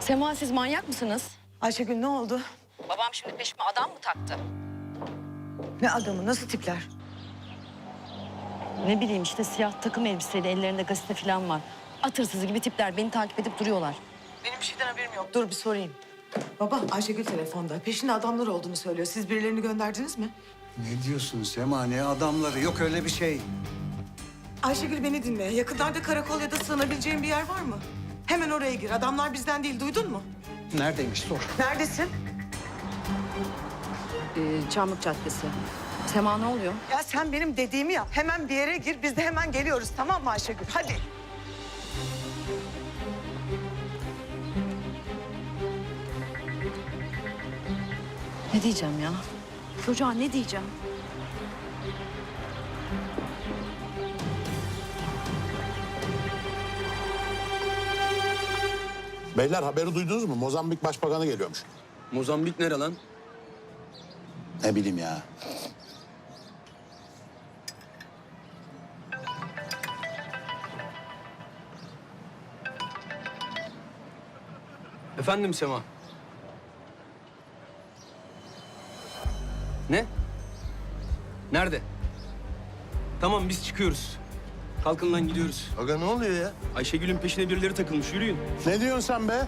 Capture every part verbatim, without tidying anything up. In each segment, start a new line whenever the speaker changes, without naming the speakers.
Sema, siz manyak mısınız?
Ayşegül ne oldu?
Babam şimdi peşime adam mı taktı?
Ne adamı, nasıl tipler?
Ne bileyim işte, siyah takım elbiseli, ellerinde gazete falan var. At hırsızı gibi tipler beni takip edip duruyorlar.
Benim bir şeyden haberim yok. Dur bir sorayım. Baba, Ayşegül telefonda. Peşinde adamlar olduğunu söylüyor. Siz birilerini gönderdiniz mi?
Ne diyorsun Sema? Ne adamları? Yok öyle bir şey.
Ayşegül beni dinle. Yakınlarda karakol ya da sığınabileceğin bir yer var mı? Hemen oraya gir. Adamlar bizden değil, duydun mu?
Neredeymiş sor.
Neredesin?
Ee, Çamlık Caddesi. Sema, ne oluyor?
Ya sen benim dediğimi yap. Hemen bir yere gir. Biz de hemen geliyoruz, tamam mı Ayşegül? Hadi.
Ne diyeceğim ya? Çocuğa ne diyeceğim?
Beyler haberi duydunuz mu? Mozambik Başbakanı geliyormuş.
Mozambik nere lan?
Ne bileyim ya.
Efendim Sema? Ne? Nerede? Tamam biz çıkıyoruz. Kalkın lan gidiyoruz.
Aga ne oluyor ya?
Ayşegül'ün peşine birileri takılmış, yürüyün.
Ne diyorsun sen be?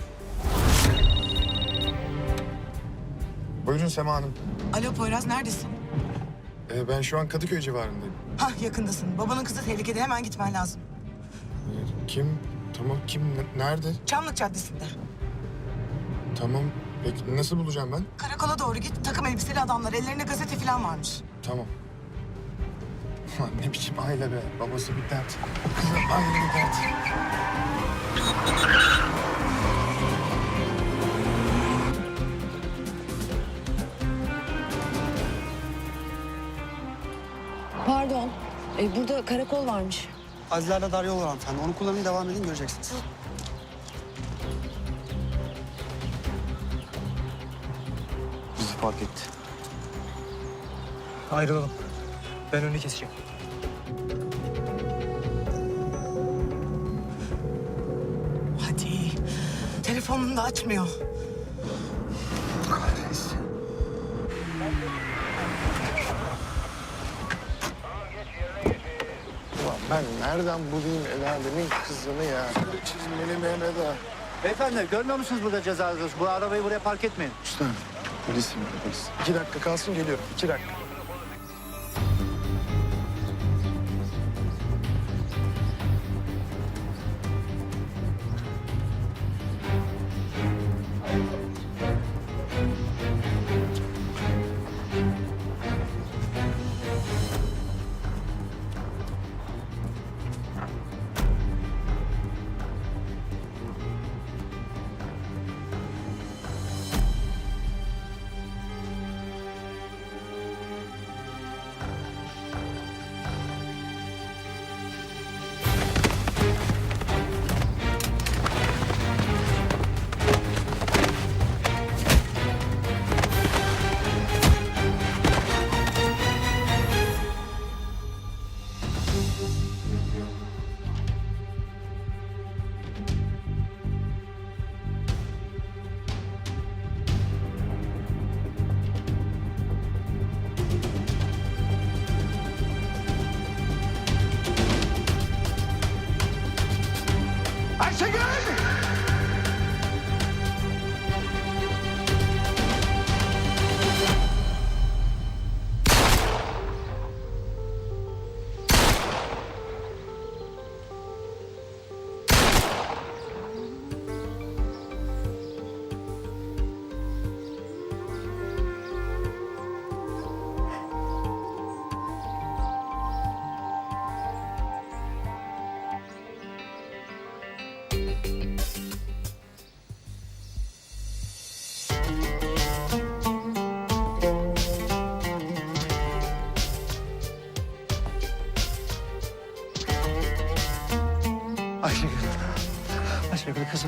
Buyurun Sema Hanım.
Alo Poyraz, neredesin?
Ee, ben şu an Kadıköy civarındayım.
Hah, yakındasın. Babanın kızı tehlikede. Hemen gitmen lazım.
Ee, kim? Tamam kim? Ne- Nerede?
Çamlık Caddesi'nde.
Tamam. Peki nasıl bulacağım ben?
Karakola doğru git. Takım elbiseli adamlar. Ellerinde gazete falan varmış.
Tamam. Ulan ne biçim aile be. Babası bir dert. Kızı ayrı bir dert.
Pardon. Ee, burada karakol varmış.
Azizler'de dar yol var hanımefendi. Onu kullanın, devam edin, göreceksiniz.
Bizi fark etti.
Ayrılalım. Ben önünü keseceğim.
Hadi. Telefonunu da açmıyor.
Kahretsin.
Ulan ben nereden bulayım el alemin kızını ya? Çizmeli Mehmet ağa.
Beyefendi görmüyor musunuz burada ceza yazıyoruz? Bu arabayı buraya park etmeyin.
Usta. Polisim polis. İki dakika kalsın geliyorum. İki dakika.
Ayşegül. Ayşegül kızım.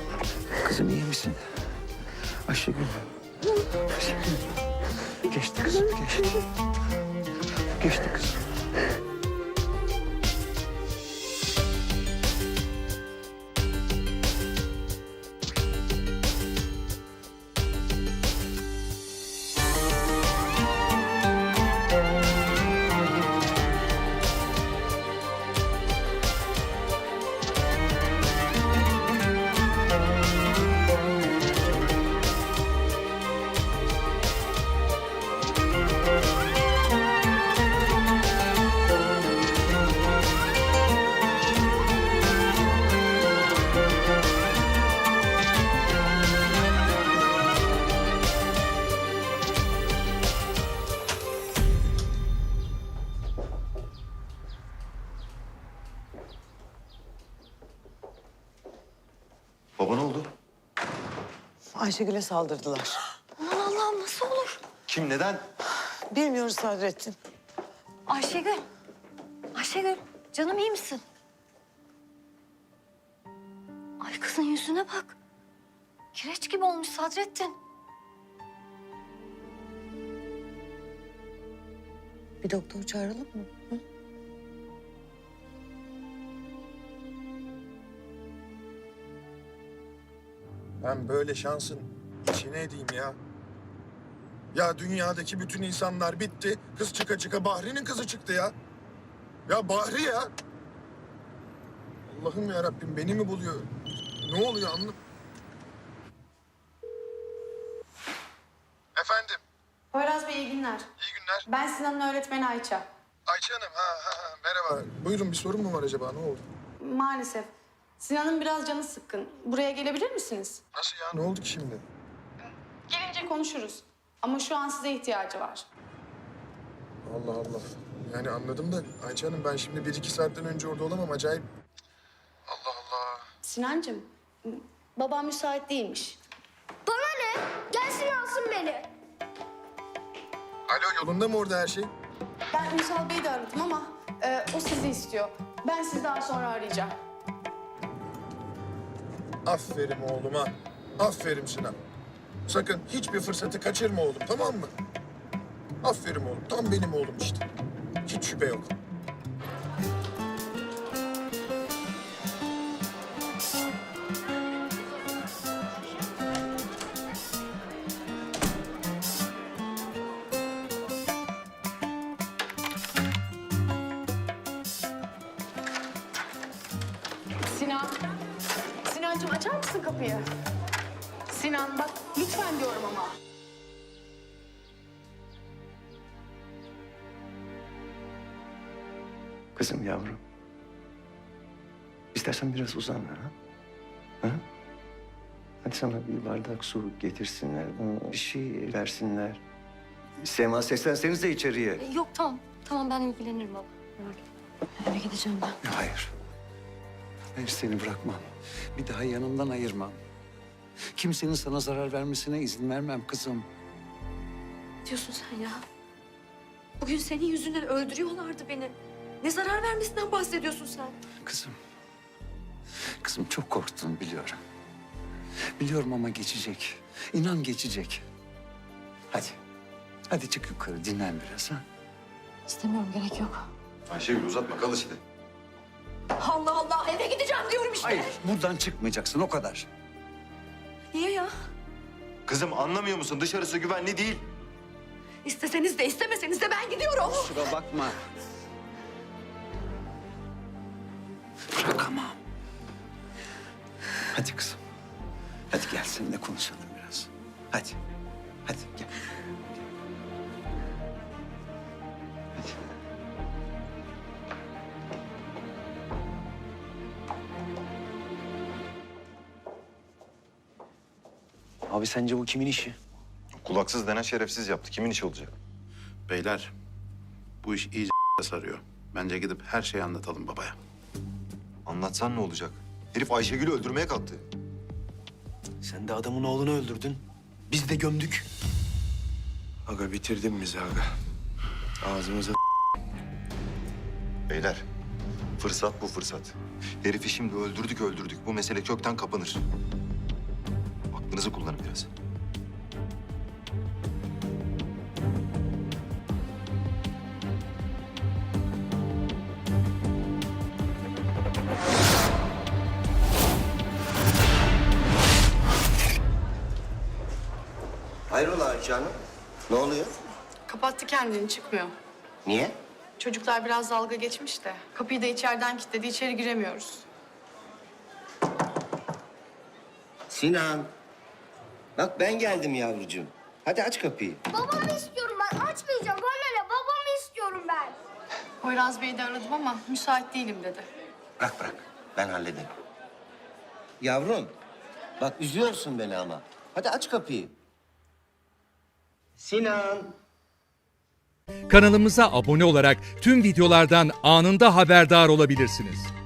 Kızım iyi misin? Ayşegül. Ayşegül. Geçti kızım, geçti. Geçti kızım.
Baba ne oldu?
Ayşegül'e saldırdılar.
Aman Allah'ım nasıl olur?
Kim, neden?
Bilmiyoruz Sadrettin.
Ayşegül. Ayşegül canım iyi misin? Ay kızın yüzüne bak. Kireç gibi olmuş Sadrettin.
Bir doktor çağıralım mı? Hı?
Ben böyle şansın içine edeyim ya. Ya dünyadaki bütün insanlar bitti. Kız çıka çıka Bahri'nin kızı çıktı ya. Ya Bahri ya. Allah'ım ya Rabbim beni mi buluyor? Ne oluyor anlam? Efendim,
Poyraz Bey iyi günler.
iyi günler.
Ben Sinan'ın öğretmeni Ayça.
Ayça Hanım, ha, ha, ha, merhaba. Buyurun bir sorun mu var acaba? Ne oldu?
Maalesef. Sinan'ın biraz canı sıkkın. Buraya gelebilir misiniz?
Nasıl ya? Ne oldu ki şimdi?
Gelince konuşuruz. Ama şu an size ihtiyacı var.
Allah Allah. Yani anladım da Ayça Hanım ben şimdi bir iki saatten önce orada olamam. Acayip. Allah Allah.
Sinancığım, babam müsait değilmiş.
Bana ne? Gelsin alsın beni.
Alo, yolunda mı orada her şey?
Ben Ünsal Bey'i de aradım ama e, o sizi istiyor. Ben sizi daha sonra arayacağım.
Aferin oğluma. Aferin Sinan. Sakın hiçbir fırsatı kaçırma oğlum, tamam mı? Aferin oğlum. Tam benim oğlum işte. Hiç şüphe yok.
Sinan. Sinancığım açar mısın kapıyı? Sinan bak lütfen diyorum ama.
Kızım yavrum. İstersen biraz uzan ha. Ha? Hadi sana bir bardak su getirsinler. Bir şey versinler. Sema seslenseniz de içeriye.
E, Yok tamam. Tamam ben ilgilenirim baba. Merak etme. Eve gideceğim ben.
Hayır. Hayır seni bırakmam. Bir daha yanımdan ayırmam. Kimsenin sana zarar vermesine izin vermem kızım.
Ne diyorsun sen ya? Bugün senin yüzünden öldürüyorlardı beni. Ne zarar vermesinden bahsediyorsun sen?
Kızım. Kızım çok korktun biliyorum. Biliyorum ama geçecek. İnan geçecek. Hadi. Hadi çık yukarı dinlen biraz ha.
İstemiyorum gerek yok.
Ayşegül uzatma, kal işte.
Allah Allah eve gideceğim diyorum işte.
Hayır buradan çıkmayacaksın o kadar.
Niye ya?
Kızım anlamıyor musun? Dışarısı güvenli değil.
İsteseniz de istemeseniz de ben gidiyorum.
Kusura bakma. Bırakamam. Hadi kızım. Hadi gel seninle konuşalım biraz. Hadi. Hadi gel. Hadi.
Abi sence bu kimin işi?
Kulaksız denen şerefsiz yaptı. Kimin işi olacak?
Beyler, bu iş iyice sarıyor. Bence gidip her şeyi anlatalım babaya.
Anlatsan ne olacak? Herif Ayşegül'ü öldürmeye kalktı.
Sen de adamın oğlunu öldürdün. Biz de gömdük.
Aga bitirdin bizi aga. Ağzımıza
Beyler, fırsat bu fırsat. Herifi şimdi öldürdük öldürdük. Bu mesele kökten kapanır. Aklınızı kullanın biraz.
Hayrola Ayça Hanım? Ne oluyor?
Kapattı kendini çıkmıyor.
Niye?
Çocuklar biraz dalga geçmiş de. Kapıyı da içeriden kilitledi, içeri giremiyoruz.
Sinan. Bak ben geldim yavrucuğum. Hadi aç kapıyı.
Babamı istiyorum ben. Açmayacağım. Bana ne? Babamı istiyorum ben.
Poyraz Bey'i de aradım ama müsait değilim dedi.
Bırak bırak. Ben hallederim. Yavrum. Bak üzüyorsun beni ama. Hadi aç kapıyı. Sinan.
Kanalımıza abone olarak tüm videolardan anında haberdar olabilirsiniz.